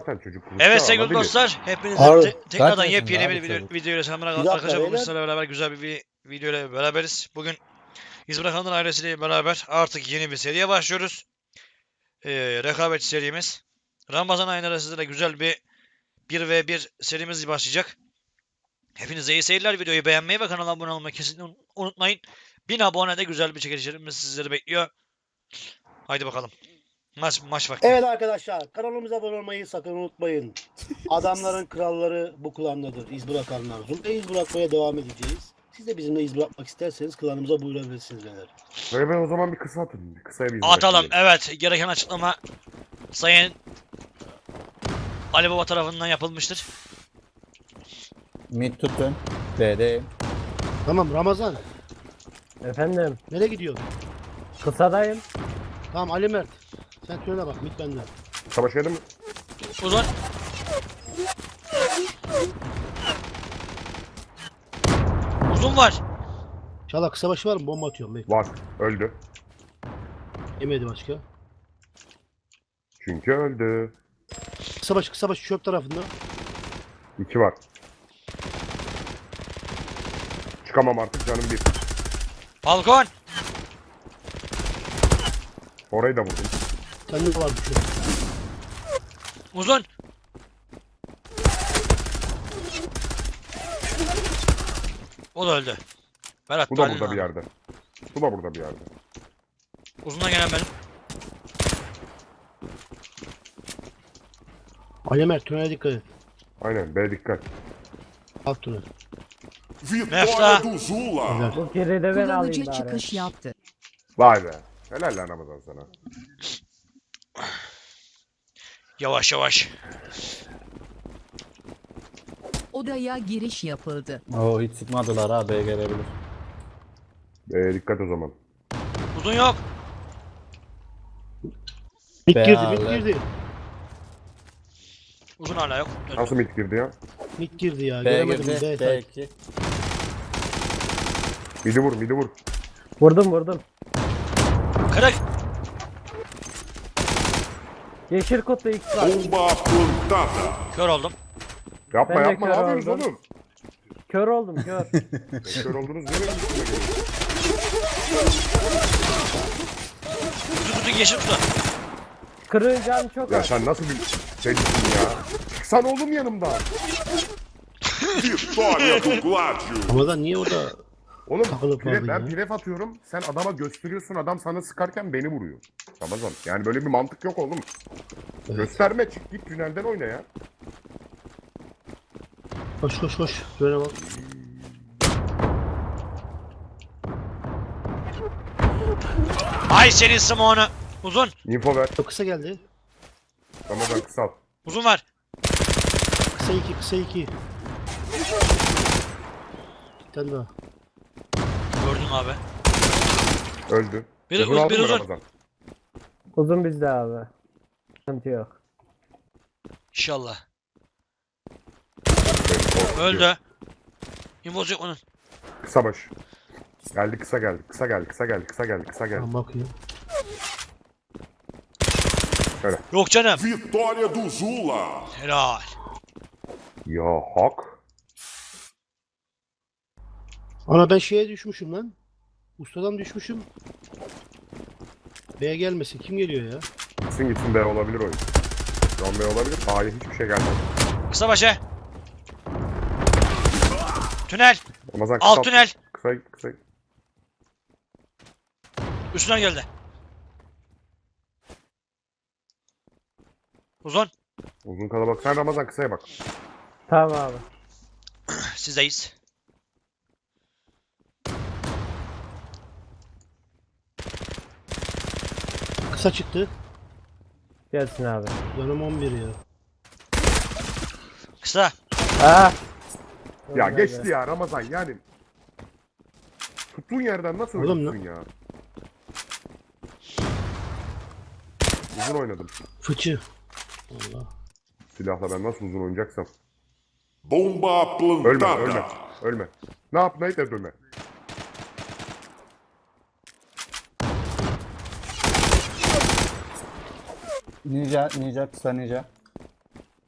zaten çocuk. Evet sevgili dostlar, hepinize tekrardan yepyeni bir video ile selamlar arkadaşlar. Bugün sizlerle beraber güzel bir video ile beraberiz. Bugün İz Bırakanlar ailesiyle beraber artık yeni bir seriye başlıyoruz. Rekabet serimiz. Ramazan ayında sizlere güzel bir 1v1 serimiz başlayacak. Hepinize iyi seyirler. Videoyu beğenmeyi ve kanala abone olmayı kesinlikle unutmayın. 1000 abone de güzel bir çekilişlerimiz sizleri bekliyor. Haydi bakalım. Maç vakti. Evet arkadaşlar, kanalımıza abone olmayı sakın unutmayın. Adamların kralları bu klandadır. İz bırakanlar. Zumba iz bırakmaya devam edeceğiz. Siz de bizimle iz bırakmak isterseniz klanımıza buyurabilirsiniz beyler. Ve ben o zaman bir kısa atayım. Bir kısaya bir Atalım. Evet. Gereken açıklama Sayın Ali Baba tarafından yapılmıştır. Mid tutun. B'deyim. Tamam Ramazan, Efendim, nereye gidiyorsun? kısadayım. Tamam Ali Mert, sen söyle bak, mit benden. Savaş geldi mi? Uzun. Uzun var. Çala kısa başı var mı? Bomba atıyorum. Bekle. Var. Öldü. Yemedi başka. Çünkü öldü. Kısa başı çöp tarafında. 2 var. Çıkamam artık canım bir. Balkon. Orayı da vurdum. Sende de var bir şey. Uzun. O da öldü. Berat Bu da Talin burada abi. bir yerde. Bu da burada bir yerde. Uzundan gelen benim. Ali Mert, tünele dikkat et. Aynen B dikkat. Alt tünel. Mefta. Vitória do Zula. Bu kere de ben alayım Kullanıcı bari. çıkış yaptı. Vay be. Helal lan Ramazan sana. Yavaş yavaş. Odaya giriş yapıldı. Oo hiç sıkmadılar ha, B gelebilir. B dikkat o zaman. Uzun yok. Mit Be girdi, Ali. mit girdi. Uzun hala yok. Öldü. Nasıl mid girdi ya? Mit girdi ya, B göremedim. girdi. B side. B2. Midi vur, midi vur. Vurdum. Kırık. Yeşil kutu X var. Bomba plantada. Kör oldum. Yapma Ben de yapma, ne kör yapıyorsunuz oldum. oğlum? Kör oldum kör. Kör oldunuz nereye gittiniz? Kutu yeşil kutu. Kırığın canı çok Ya az. sen nasıl bir şeysin ya? Çıksan oğlum yanımdan. Vitória do Gládio. Ramazan niye orada? Oğlum Takılıp kaldın ben ya. piref atıyorum. Sen adama gösteriyorsun. Adam sana sıkarken beni vuruyor. Ramazan. Yani böyle bir mantık yok oğlum. Evet. Gösterme, çık git tünelden oyna ya. Koş. Tünele bak. Ay senin Simon'u. Uzun. Info ver. Çok kısa geldi. Ramazan kısalt. Uzun var. Kısa iki. Bir tane daha. Gördün abi. Öldü. Biri Uzun aldın biri mı uzun. Ramazan? Uzun bizde abi. Sıkıntı yok. İnşallah. Evet, Öldü. İmpoz yok onun. Kısa baş. Geldi kısa geldi. Kısa geldi. Tamam bakayım. Yok canım. Vitória do Zula. Helal. Ya hak. Ana ben şeye düşmüşüm lan. Ustadan düşmüşüm. B'ye gelmesin. Kim geliyor ya? Gitsin B olabilir oyun. John B olabilir. A'ya hiçbir şey gelmedi. Kısa başı. Tünel. Ramazan Alt tünel. Kısa. Üstüne geldi. Uzun. Uzun kalabalık. Sen Ramazan kısaya bak. Tamam abi. Sizdeyiz. Kısa çıktı. Gelsin abi. Canım 11 ya. Kısa. Ah. Ya Öyle geçti be. ya Ramazan yani. Tuttuğun yerden nasıl Oğlum oynuyorsun ya? Uzun oynadım. Fıçı. Allah. Silahla ben nasıl uzun oynayacaksam. Bomba Ölme. plantada. Ne yap ne et ölme. Ninja kısa ninja.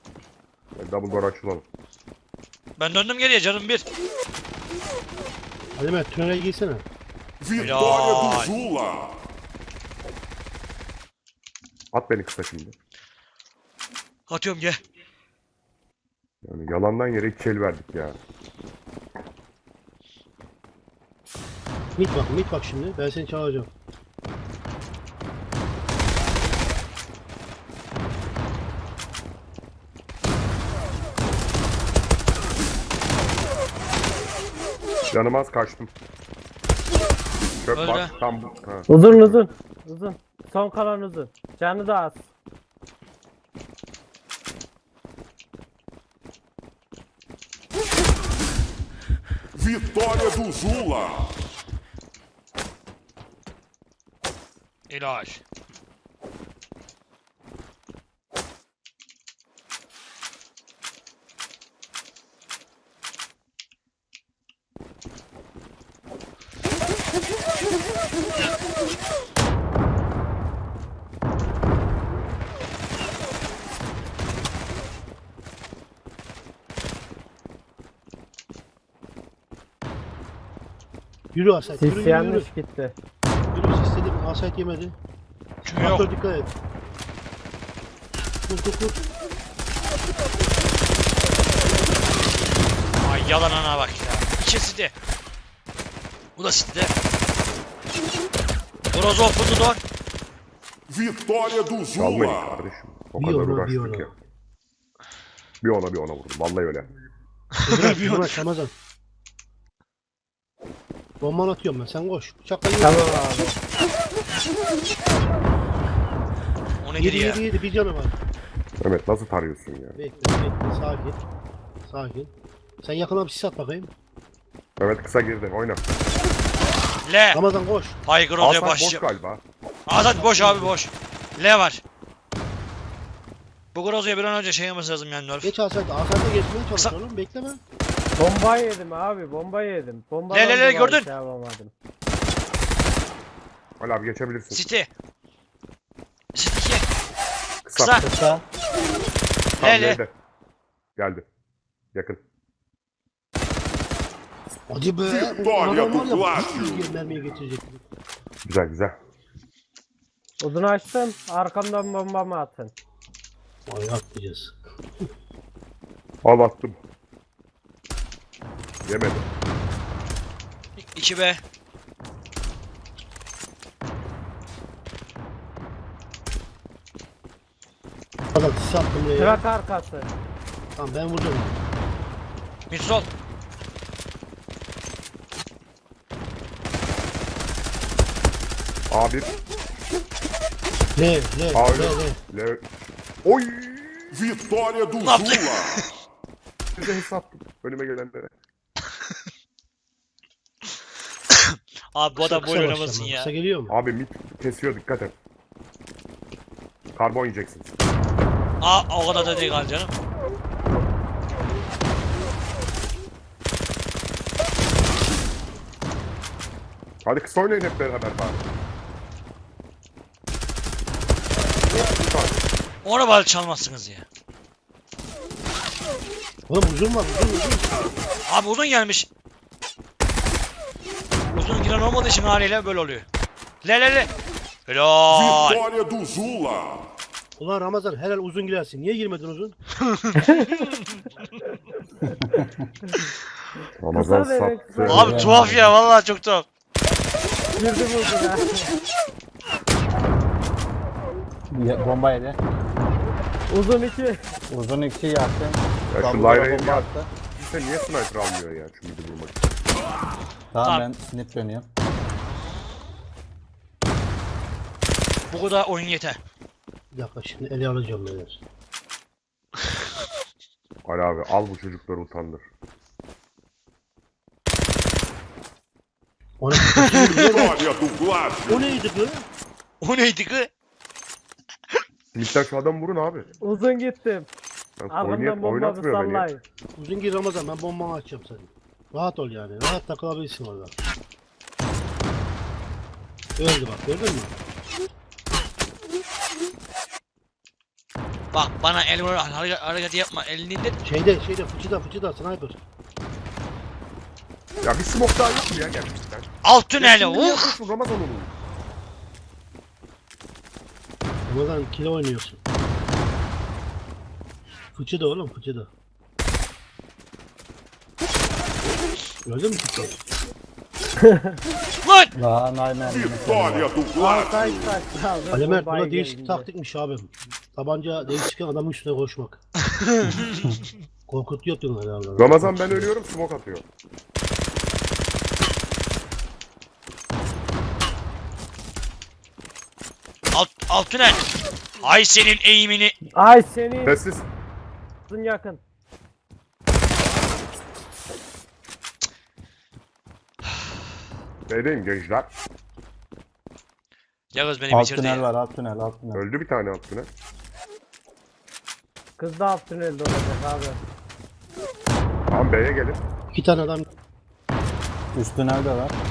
double door açılalım. Ben döndüm geriye canım bir. Hadi Mert tünele girsene. Vitória do Zula. At beni kısa şimdi. Atıyorum gel. Yani yalandan yere 2 el verdik ya. Mit bak şimdi. Ben seni çağıracağım. Canım az kaçtım. Çöp Öyle. var. Tam bu. Ha. Uzun. Uzun. Son kalan uzun. Canı da az. Vitória do Zula. İlaç. Yürü Asayt. Sis Yürü. yanlış gitti. Yürü istedim. Asayt yemedi. Kim yok? Faktör dikkat et. Kur. Ay yalan ana bak ya. İkisi de. Bu da City'de. Grozo open the door. Vitória do Çalmayın Zula. kardeşim. O Bir kadar ona, bir uğraştık ona. ya. Bir ona vurdum. Vallahi öyle. Bırak Ramazan. Bomban atıyorum ben. Sen koş. Bıçakla yürü. Tamam abi. O nedir ya? Yedi. Bir canı var. Evet nasıl tarıyorsun ya? Bekle. Sakin. Sen yakına bir sis at bakayım. Evet kısa girdi. Oyna. L. Ramazan koş. Hay Grozo'ya Aslan boş başlayacağım. galiba. Azat boş abi boş. L var. Bu Grozo'ya bir an önce şey yapması lazım yani nerf. Geç Asayt'a. Asayt'a geçmeye çalış Kısa- oğlum. Bekleme. Bomba yedim abi. Bomba yedim. Bomba Le, gördün? Şey yapamadım. Ali abi geçebilirsin. City. City 2. Kısa. Kısa. Kısa. Tam L. L'de. Geldi. Yakın. Hadi be. Vitória Adam do var ya, Clássico. 100 mermiye getirecek. Güzel. Uzun açtım. Arkamdan bombamı atın. Ay atlayacağız. Al attım. Yemedi. 2B. Adam sis attım buraya. Trak arkası. Tamam ben vuracağım. Mid sol. A1. L. L. Oy! Vitória do Ne yaptı? Zula. Size hesapladım. Önüme gelenlere. Abi bu adam Kısa böyle başlama. oynamasın ya. Kısa geliyor mu? Abi mit kesiyor dikkat et. Karbon yiyeceksin. O kadar da değil canım. Hadi kısa oynayın hep beraber bari. Ona bari çalmazsınız ya. Oğlum uzun var uzun. Abi uzun gelmiş. Uzun giren olmadığı için haliyle böyle oluyor. Le. Helal. Vitória do Zula. Ulan Ramazan helal uzun girersin. Niye girmedin uzun? Ramazan Kısa demek, sattı. kısa. Abi tuhaf ya vallahi çok tuhaf. Girdim uzuna. Bomba yedi. Uzun 2. Uzun 2 yaktım. Ya şu Double door'a Lyra'yı bomba ya. attı. Kimse niye sniper almıyor ya şu midi vurmak için? Tamam Tamam. ben snip dönüyorum. Bu kadar oyun yeter. Bir dakika şimdi ele alacağım beyler. Ali abi al bu çocukları utandır. Ona Vitória do Clássico. o neydi bu? O neydi ki? Midden şu adamı vurun abi. Uzun gittim. Ben Arkamdan bombamı oynatmıyor beni. sallayın. Uzun gir Ramazan ben bombamı açacağım senin. Rahat ol yani. Rahat takılabilirsin orada. Öldü bak gördün mü? Bak bana el vur hareket yapma. Elini indir. Şeyde fıçıda sniper. Ya bir smoke daha yok mu ya gerçekten? Alt tüneli. Şimdi niye Uf. yapıyorsun Ramazan onu? Ramazan kilo oynuyorsun. Fıçıda oğlum fıçıda. Gördün mü fıçıda? Lan. Lan aynen. Vitória do Altay Gládio. kaçtı abi. Alemer Bombayı buna değişik gelince. taktikmiş abim. Tabanca değişken adamın üstüne koşmak. Korkutuyor diyorlar herhalde. Ramazan ben ölüyorum smoke atıyor. Alt tünel. Ay senin eğimini. Ay senin Sessiz. yakın. B'deyim gençler. Yağız beni Alt bitirdi tünel ya. var, alt tünel, alt tünel. Öldü bir tane altına. Kız da alt tünelde olacak abi. Tamam B'ye gelin. 2 tane adam Üst tünel de var.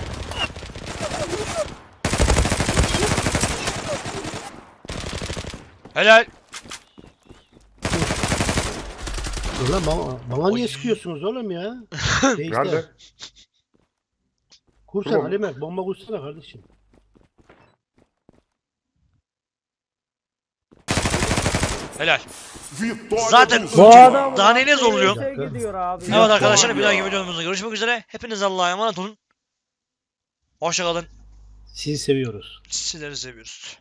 Helal. Ulan bana niye Oy. sıkıyorsunuz oğlum ya? Nerede? Kursan Tamam. Alemer bomba kursana kardeşim. Helal. Vitória Zaten do Bu Zula. adam Daha neyine zorluyor? gidiyor abi. Evet arkadaşlar bir dahaki videomuzda görüşmek üzere. Hepiniz Allah'a emanet olun. Hoşça kalın. Sizi seviyoruz. Sizleri seviyoruz.